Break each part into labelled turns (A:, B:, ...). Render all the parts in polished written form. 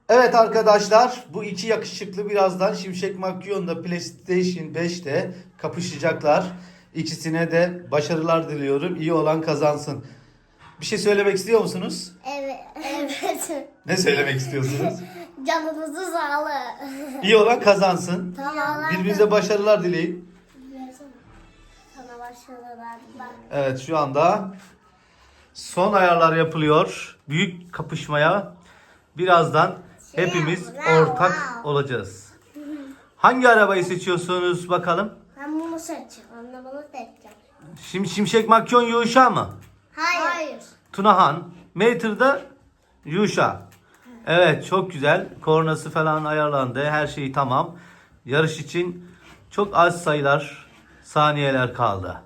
A: Evet arkadaşlar, bu iki yakışıklı birazdan Şimşek Makyon'da PlayStation 5'te kapışacaklar. İkisine de başarılar diliyorum. İyi olan kazansın. Bir şey söylemek istiyor musunuz?
B: Evet. Evet.
A: Ne söylemek istiyorsunuz?
B: Canınızı sağlık.
A: İyi olan kazansın.
B: Tamam.
A: Birbirinize başarılar dileyin.
B: Sana başarılar.
A: Evet, şu anda son ayarlar yapılıyor. Büyük kapışmaya birazdan hepimiz ortak olacağız. Hangi arabayı seçiyorsunuz bakalım?
B: Ben bunu seçeceğim. Anne bunu seçeceğim.
A: Şimdi Şimşek Makyon Yuşa mı?
B: Hayır.
A: Tunahan. Mater'da Yuşa. Evet, çok güzel. Kornası falan ayarlandı. Her şey tamam. Yarış için çok az sayılar, saniyeler kaldı.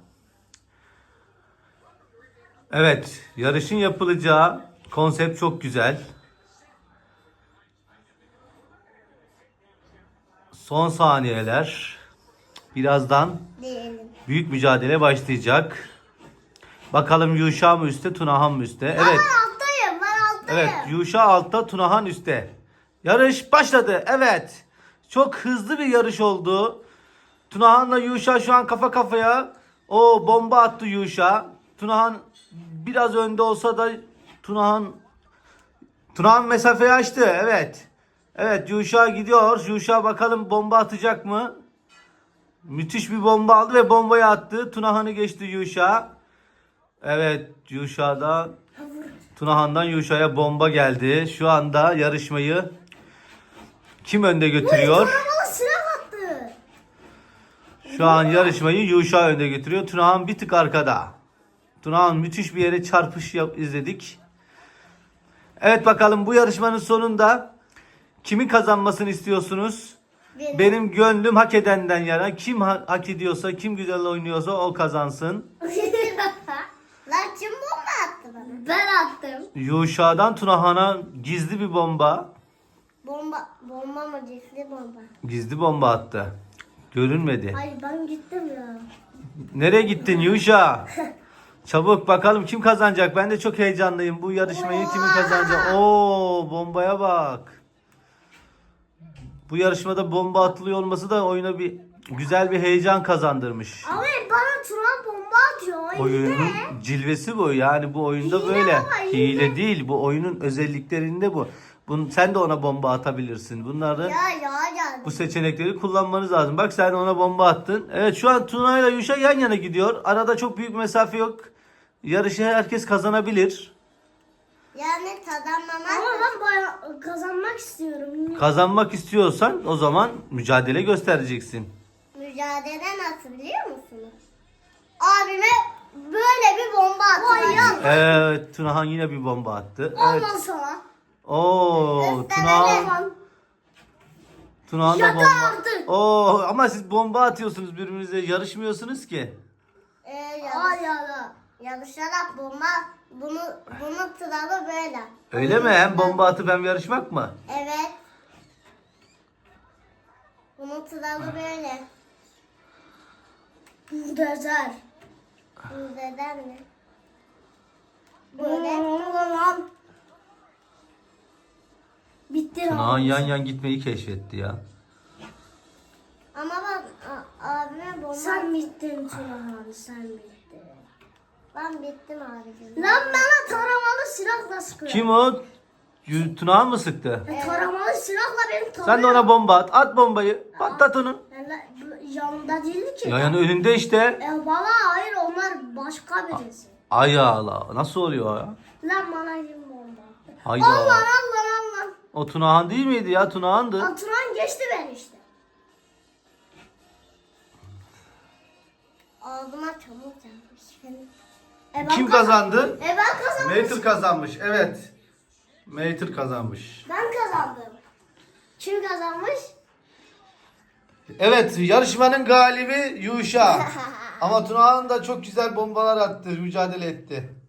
A: Evet, yarışın yapılacağı konsept çok güzel. Son saniyeler. Birazdan
B: Diyelim.
A: büyük mücadele başlayacak. Bakalım Yuşa mı üstte, Tunahan mı üstte? Evet.
B: Ben alttayım. Ben alttayım.
A: Evet, Yuşa altta, Tunahan üstte. Yarış başladı. Evet. Çok hızlı bir yarış oldu. Tunahan'la Yuşa şu an kafa kafaya. O bomba attı Yuşa. Tunahan biraz önde olsa da Tunahan mesafeyi açtı. Evet. Evet, Yuşa gidiyor. Yuşa bakalım bomba atacak mı? Müthiş bir bomba aldı ve bombayı attı. Tunahan'ı geçti Yuşa. Evet, Tunahan'dan Yuşa'ya bomba geldi. Şu anda yarışmayı kim önde götürüyor?
B: Bana silah attı.
A: Şu an yarışmayı Yuşa önde götürüyor. Tunahan bir tık arkada. Tunahan müthiş bir yere çarpış izledik. Evet, bakalım bu yarışmanın sonunda kimin kazanmasını istiyorsunuz? Benim gönlüm hak edenden yana. Kim hak ediyorsa, kim güzel oynuyorsa o kazansın.
B: Lan kim bomba attı bana? Ben attım.
A: Yuşa'dan Tunahan'a gizli bir bomba.
B: Bomba mı cisli bomba?
A: Gizli bomba attı. Görünmedi.
B: Ay ben gittim ya.
A: Nereye gittin Yuşa? Çabuk bakalım kim kazanacak? Ben de çok heyecanlıyım. Bu yarışmayı kimin kazanacak? Oo, bombaya bak. Bu yarışmada bomba atılıyor olması da oyuna bir güzel bir heyecan kazandırmış.
B: Abi bana Turan bomba atıyor.
A: Oyunun cilvesi bu. Yani bu oyunda
B: Hile
A: böyle.
B: ama, hile.
A: Hile değil. Bu oyunun özelliklerinde bu. Sen de ona bomba atabilirsin. Bunları
B: Ya.
A: bu seçenekleri kullanmanız lazım. Bak sen ona bomba attın. Evet, şu an Tuna ile Yuşa yan yana gidiyor. Arada çok büyük mesafe yok. Yarışı herkes kazanabilir.
B: Yani kazanmamak. Ama ben bayağı kazanmak istiyorum.
A: Kazanmak istiyorsan o zaman mücadele göstereceksin.
B: Mücadele nasıl biliyor musunuz? Abime böyle bir bomba attı.
A: Evet, Tunahan yine bir bomba attı. Evet.
B: Ondan sonra.
A: Oo, Tunahan da
B: Şaka
A: bomba.
B: yaptın.
A: Oo, ama siz bomba atıyorsunuz birbirinize, yarışmıyorsunuz ki.
B: Yarışarak bomba bunu sıralı böyle.
A: Öyle mi? Hem bomba atıp hem yarışmak mı?
B: Evet. Bunu sıralı böyle. Buldozer. Buldozer mi? Böyle. Bitti.
A: Tunahan yan gitmeyi keşfetti ya.
B: Ama ben abime bomba... Sen bittin Tunahan, sen bittin. Ben bittim abicim. Lan bana taramalı silahla sıkıyor.
A: Kim o? Tunahan mı sıktı?
B: Taramalı silahla beni tarıyor.
A: Sen de ona bomba at. At bombayı. Patlat onu.
B: Yanında değildi ki.
A: Yayanın önünde işte.
B: Bana hayır onlar başka birisi.
A: Ay Allah. Nasıl oluyor ya?
B: Lan bana kim bomba attı?
A: Hayda.
B: Allah.
A: O Tunahan değil miydi ya? Tunahan'dı.
B: Turan geçti ben işte. Ağzıma çamur gelmiş.
A: Kim kazandı?
B: Ben kazandım.
A: Mater kazanmış. Evet. Mater kazanmış.
B: Ben kazandım. Kim kazanmış?
A: Evet, yarışmanın galibi Yuşa. Ama Tunahan da çok güzel bombalar attı, mücadele etti.